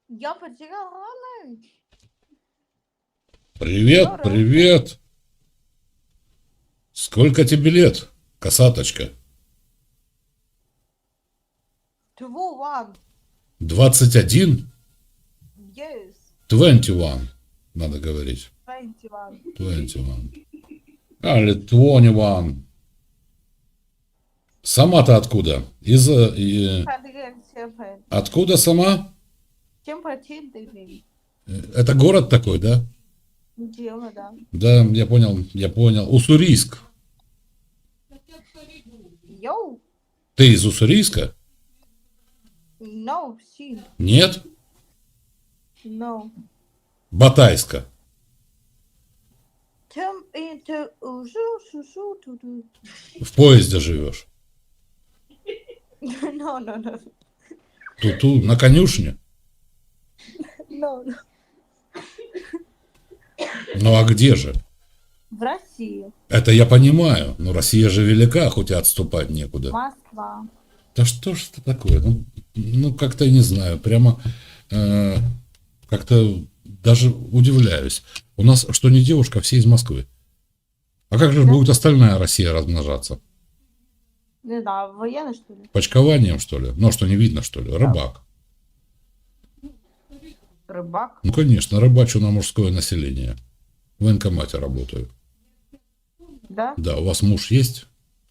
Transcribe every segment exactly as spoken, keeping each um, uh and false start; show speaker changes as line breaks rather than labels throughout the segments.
Я потеряла.
Привет,
Здорово.
привет. Сколько тебе лет, косаточка?
Two one.
двадцать один?
Yes.
двадцать один, надо говорить.
Twenty one.
двадцать один. Али, двадцать один. Сама-то откуда? Из... э, и-
Hundred seven.
Откуда сама?
Чем починили?
Э, Это город такой, да?
Дело, да.
Да, я понял, я понял. Уссурийск.
Йоу.
Ты из Уссурийска?
No, she.
Нет?
No.
Батайска.
Чем это уже сушу туду.
В поезде живешь.
No, no, no.
Ту-ту, на конюшне.
No, no.
Ну а где же?
В России.
Это я понимаю, но Россия же велика, хоть и отступать некуда.
Москва.
Да что ж это такое? Ну, ну как-то не знаю, прямо э, как-то даже удивляюсь. У нас что не девушка, все из Москвы. А как же
Да.
будет остальная Россия размножаться?
Не знаю, военный, что ли?
Почкованием, что ли? Ну, что не видно, что ли? Рыбак.
Рыбак.
Ну, конечно, рыбачу на мужское население. В военкомате работаю.
Да?
Да, у вас муж есть?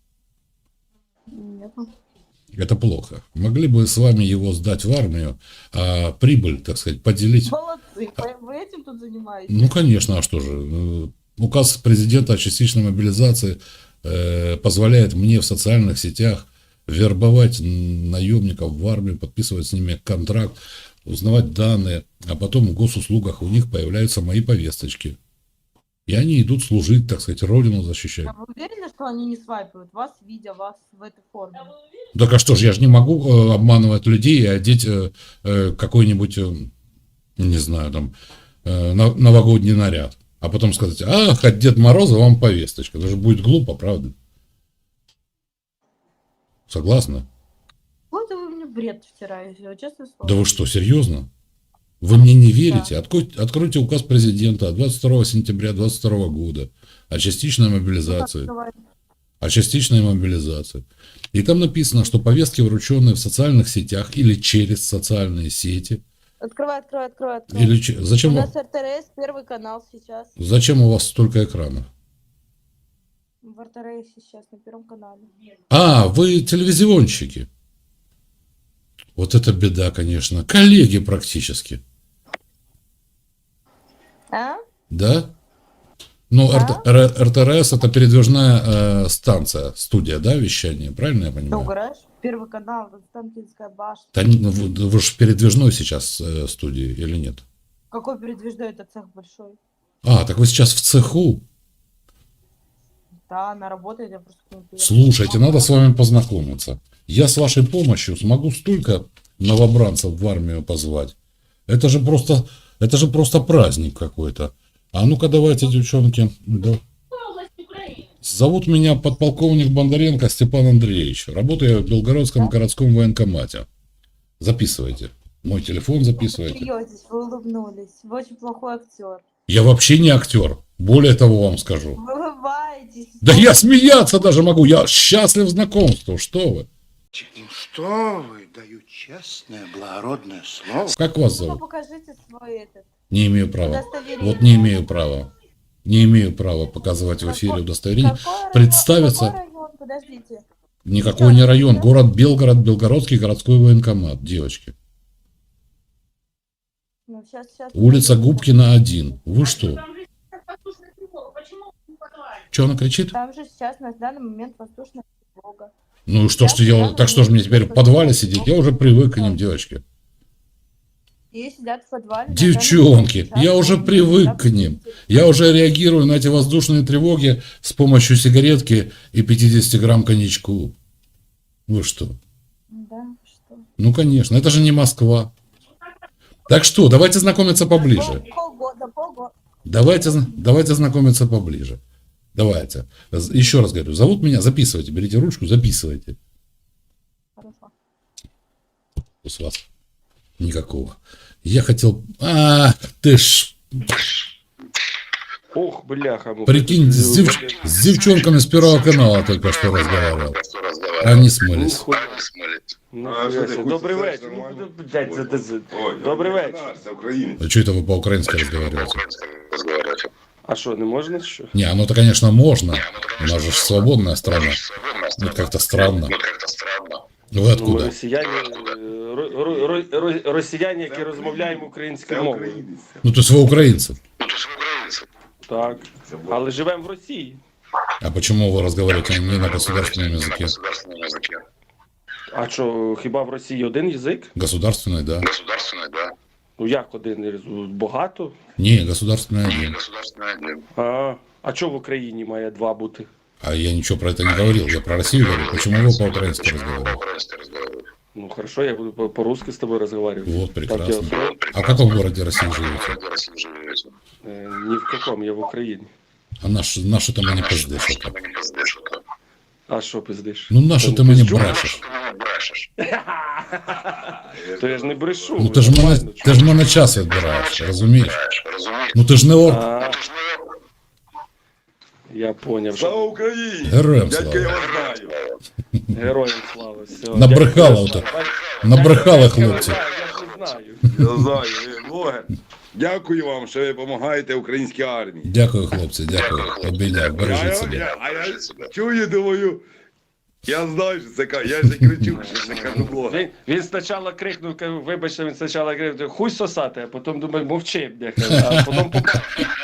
Нет.
Это плохо. Могли бы с вами его сдать в армию, а прибыль, так сказать, поделить.
Молодцы. Вы этим тут занимаетесь?
Ну, конечно, а что же? Э, Указ президента о частичной мобилизации э, позволяет мне в социальных сетях вербовать наемников в армию, подписывать с ними контракт, узнавать данные, а потом в госуслугах у них появляются мои повесточки. И они идут служить, так сказать, родину защищать.
А вы уверены, что они не свайпают вас, видя вас в этой форме?
Так а что ж, я же не могу э, обманывать людей и одеть э, э, какой-нибудь, э, не знаю, там, э, на- новогодний наряд. А потом сказать, ах, от Деда Мороза вам повесточка. Это же будет глупо, правда? Согласна?
Вот вы мне бред втираете, честное слово.
Да вы что, серьезно? Вы мне не верите? Откройте, откройте указ президента от двадцать второго сентября двадцать второго года о частичной мобилизации. О частичной мобилизации. И там написано, что повестки, врученные в социальных сетях или через социальные сети.
Открывай, открывай, открывай, открывай.
Или че-
У
зачем,
нас
вы-
эр тэ эр эс, первый канал сейчас.
зачем у вас столько экранов?
В эр тэ эр эс сейчас на первом канале.
А, вы телевизионщики. Вот это беда, конечно. Коллеги практически.
А?
Да? Ну,
Да.
эр тэ эр эс это передвижная э, станция, студия, да, вещания, правильно я
Ты
понимаю?
угораешь? Первый канал, Константинская башня.
Да, не- ну, вы, вы же передвижной сейчас э, студии или нет?
Какой передвижной, это цех большой.
А, так вы сейчас в цеху.
Да, она работает, я просто к ней приехала.
Слушайте, надо с вами познакомиться. Я с вашей помощью смогу столько новобранцев в армию позвать. Это же просто, это же просто праздник какой-то. А ну-ка давайте, девчонки. Да. Зовут меня подполковник Бондаренко Степан Андреевич. Работаю я в Белгородском городском военкомате. Записывайте. Мой телефон
Вы
записывайте.
смеетесь, вы улыбнулись. Вы очень плохой актер.
Я вообще не актер. Более того вам скажу.
Вы улыбаетесь.
Да я смеяться даже могу. Я счастлив знакомству. Что вы?
Ну что вы, даю честное, благородное слово.
Как вас
Ну-ка
зовут?
покажите свой этот.
Не имею права.
Удостоверение.
Вот не имею права. Не имею права показывать в эфире
Какой-
удостоверение.
Какой район?
Представиться.
Какой район? Подождите.
Никакой не район. Город Белгород, Белгородский городской военкомат. Девочки.
Ну, сейчас, сейчас.
Улица Губкина, один. Вы что? Что она кричит?
Там же сейчас на данный момент воздушная тревога.
Ну что ж, я, так что ж мне теперь в подвале сидеть? Я уже привык к ним, девочки.
И сидят в подвале. на
Девчонки,
данный момент
я
сейчас
уже
они
привык
там
к ним.
сидят.
Я уже реагирую на эти воздушные тревоги с помощью сигаретки и пятьдесят грамм коньячку. Вы что?
Да, что?
Ну, конечно, это же не Москва. Так что, давайте знакомиться поближе.
Пол- Полгода, полгода.
Давайте, зна- давайте знакомиться поближе. Давайте. З- Еще раз говорю, зовут меня, записывайте, берите ручку, записывайте.
Хорошо.
С вас. Никакого. Я хотел... А, ты ж...
Ох, бляха. ну,
Прикинь, с,
блин,
дев- с девчонками с Первого канала только что разговаривал. Они смылись.
Нихуя.
А що ти,
Нихуя.
хуй
Добрий
сосеш
вечір.
нормально?
Ну, блядь, це- це- це-
Ой,
Добрий
я
вечір.
наш, Це українець.
А что это вы по-украински разговариваете?
А що, не можна що?
Не, оно-то, конечно, можно. У нас же ж свободная страна. Ну, как-то странно. Вы
Ну, ми
откуда?
росіяни, е, ро- ро- ро- ро- росіяни, які розмовляємо
Це
українською мовою.
українець.
Ну, то есть вы украинцы.
Так. Але живемо в Росії.
А почему вы разговариваете не на государственном языке?
А що, хіба в Росії один язик?
Государственный, да.
Ну як один? Багато?
Не, государственный один.
А, а чого в Україні має два бути?
А я ничего про это не говорил. Я про Россию говорю. Почему вы по-украински разговариваете?
Ну хорошо, я буду по- по-русски с тобой разговаривать.
Вот,
Так я
прекрасно.
устроил?
А в каком городе России живете?
Э, ни в каком, я в Україні.
А наш, наши ты мне пиздишь. это.
А що пиздиш?
Ну, наши ты мне брешешь.
То я ж не брешу.
Ну, ти ж мене,
нормально,
ти ж мене час відбираєш, розумієш? Ну, ти ж не орк.
А, я поняв.
Слава
Що...
Україні!
Героям
Дядька, я
слава.
вас знаю.
Героям слава. Все.
Набрехали
Дякую.
ото.
Бач-
Набрехали
Я-
хлопці.
Я ж не знаю.
Я знаю, ви блогер. Дякую вам, що ви допомагаєте українській армії.
Дякую, хлопці, дякую. Обійняв,
А
бережіть
я,
себе.
я, а я чую, думаю, я знаю, що це кажу, я ж не кричу, що це кажу блогер.
Він, він спочатку крикнув, кажу, вибачте, він спочатку крикнув, хуй сосати, а потім думаю, мовчи, бляха, а потім побачив.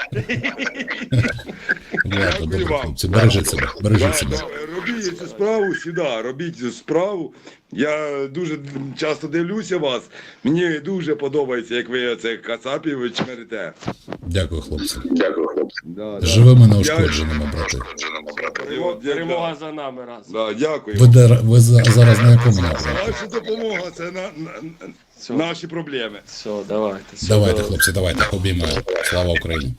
Дякую, добре,
вам.
хлопці, бережіть себе, бережіть
Да,
себе.
да, робіть цю справу сюди, робіть цю справу. Я дуже часто дивлюся вас. Мені дуже подобається, як ви це кацапів чмерите.
Дякую, хлопці.
Да, да.
Живими неушкодженими, брати.
Перемога,
Перемога за нами раз.
Да, дякую.
Ви, де, ви за- зараз на якому напрямку?
Ваша допомога це на, на, на-
Все.
наші проблеми.
Все, давайте. Все,
Давайте,
давай.
хлопці, давайте, обіймаю. Слава Україні.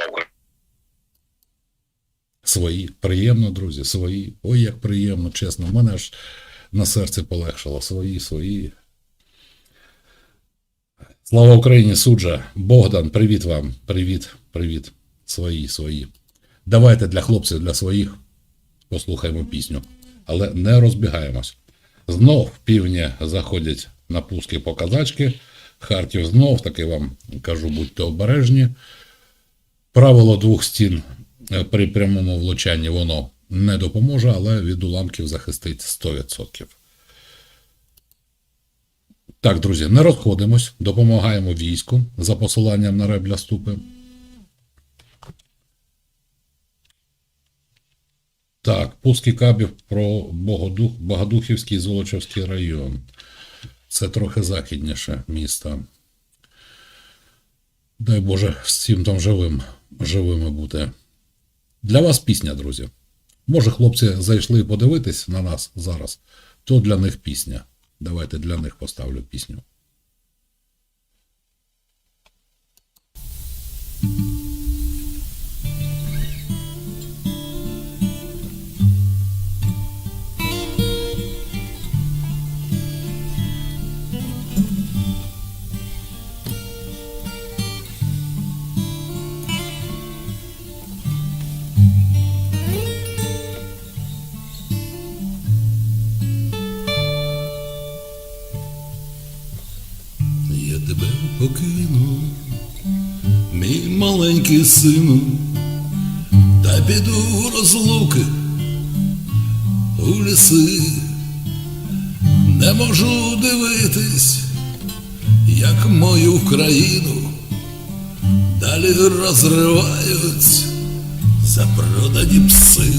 Свої. Приємно, друзі, свої. Ой, як приємно, чесно. В мене аж на серці полегшало. Свої, свої. Слава Україні, суджа. Богдан, привіт вам. Привіт, привіт. Свої, свої. Давайте для хлопців, для своїх послухаємо пісню. Але не розбігаємось. Знов півні заходять на пуски по казачки. Харків знов, таки вам кажу, будьте обережні. Правило двох стін при прямому влучанні воно не допоможе, але від уламків захистить сто відсотків. Так, друзі, не розходимось, допомагаємо війську за посиланням на Ребля Ступи. Так, пуски кабів про Богодух, Богодухівський і Золочівський район. Це трохи західніше місто. Дай Боже, всім там живим, живими бути. Для вас пісня, друзі. Може, хлопці зайшли подивитись на нас зараз, то для них пісня. Давайте для них поставлю пісню.
Я тебе покину, мій маленький сину, та піду в розлуки у ліси. Не можу дивитись, як мою країну далі розривають запродані пси.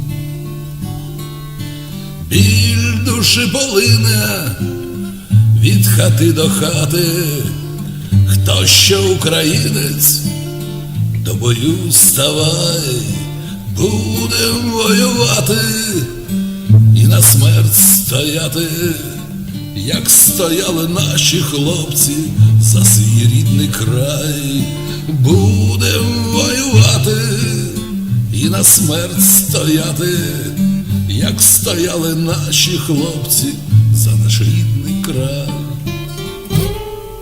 Біль душі полине від хати до хати, хто ще українець, до бою ставай, будем воювати і на смерть стояти, як стояли наші хлопці за свій рідний край. Будем воювати і на смерть стояти, як стояли наші хлопці за наш рідний край.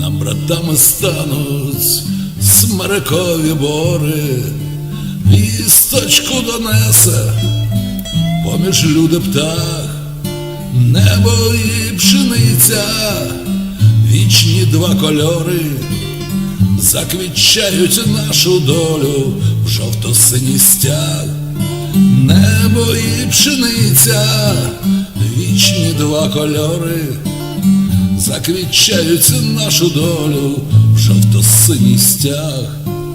нам братами стануть смерекові бори, вісточку донесе поміж люди птах, небо і пшениця, вічні два кольори, заквітчають нашу долю в жовто-синій стяг. Небо і пшениця, вічні два кольори, заквітчають нашу долю в жовто-синій стяг.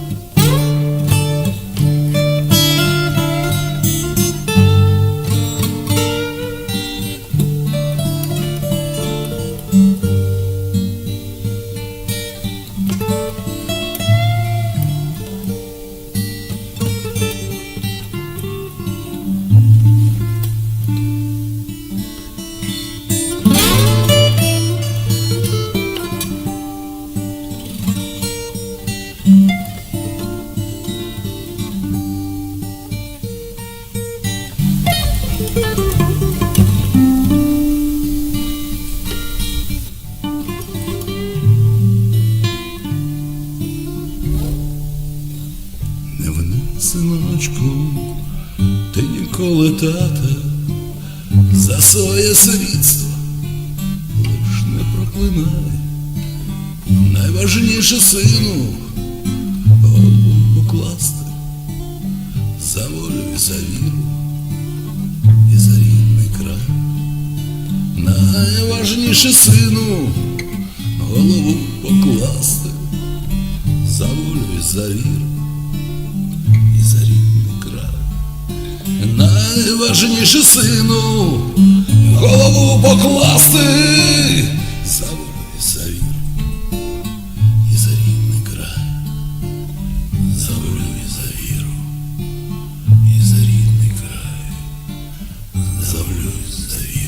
Не вини, синочку, ти ніколи тата за своє світство лиш не проклинай. Найважніше, сину, голову покласти за волю і за віру і за рідний край. Найважніше, сину, голову покласти за волю і за віру і за рідний край. Найважніше, сину, голову покласти за волю і за віру і за рідний край, за волю і за віру і за рідний край, за волю і за віру.